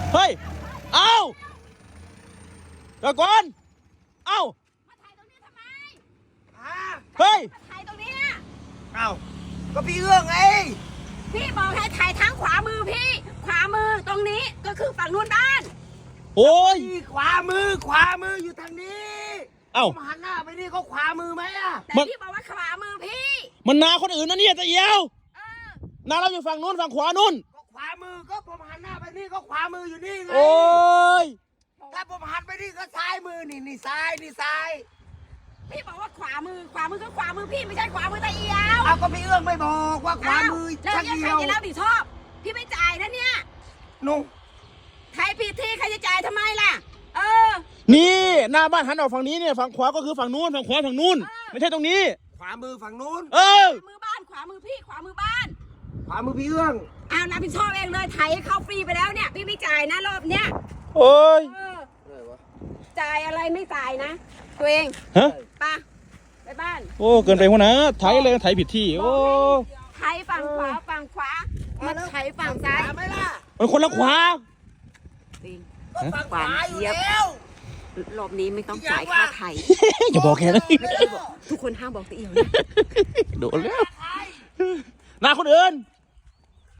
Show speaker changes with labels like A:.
A: เฮ้ยเอ้าเดี๋ยวก่อนเอ้า
B: มาถ่ายตรงนี้ทำไม
A: เฮ้ย
B: มาถ่ายตรงนี้
C: เอ้าก็พี่เอื้องไง
B: พี่บอกให้ถ่ายทางขวามือพี่ขวามือตรงนี้ก็คือฝั่งนู้นบ้าน
A: โอ้ย
C: พี่ขวามืออยู่ทางนี้
A: เอ้า
C: ผมหันหน้าไปนี่เขาขวามือไหมอะ
B: แต่พี่บอกว่าขวามือพี่
A: มันนาคนอื่นนะเนี่ยตะเอียว
B: เออ
A: นาเราอยู่ฝั่งนู้นฝั่งขวานู้น
C: ก็ขวามือก็ผมหันหน้าไปนี่ก็ขวามืออยู่นี่ไง
A: โอ้ย
C: ถ้าผมหันไปนี่ก็ซ้ายมือนี่ซ้ายนี่ซ้าย
B: พี่บอกว่าขวามือก็ขวามือพี่ไม่ใช่ขวามือตะเอียว
C: เอาก็พี่เอื้องไม่บอกว่าขวามือ
B: แล้ว
C: ชัก
B: ยัง
C: เดี
B: ใคร
C: ยว
B: จะรับผิดชอบพี่ไม่จ่ายนะเนี่ย
C: นุ่ง
B: ใครผิดที่ใครจะจ่ายทำไมล่ะเออ
A: นี่หน้าบ้านหันออกฝั่งนี้เนี่ยฝั่งขวาก็คือฝั่งนู้นฝั่งขวาฝั่งนู้นไม่ใช่ตรงนี้
C: ขวามือฝั่งนู้น
A: เออ
B: ขวามือบ้านขวามือพี่ขวามือบ้าน
C: ขวามือพี่เอื้อง
B: เอารับผิดชอบเองเลยไถเข้าฟรีไปแล้วเนี่ยพี่ไม่จ่ายนะรอบเนี้ย
A: โอ้ย
B: เออจ่ายอะไรไม่จ่ายนะ ตัวเอง
A: ฮะ
B: ไปบ้าน
A: โอ้เกินไปหัวนะไถเลยไถผิดที่โอ้
B: ไถฝั่งขวามันไถฝั่งซ้าย
C: ขวาไหมล่ะ
A: มันคนละขวา
B: จริง
C: ก็ฝั่งขวาอยู่แล้ว
B: รอบนี้ไม่ต้องจ่ายค่าไถ
A: อย่าบอกแกนะ
B: ทุกคนห้ามบอกตะเอียวนะ
A: โดนแล้วนาคนอื่น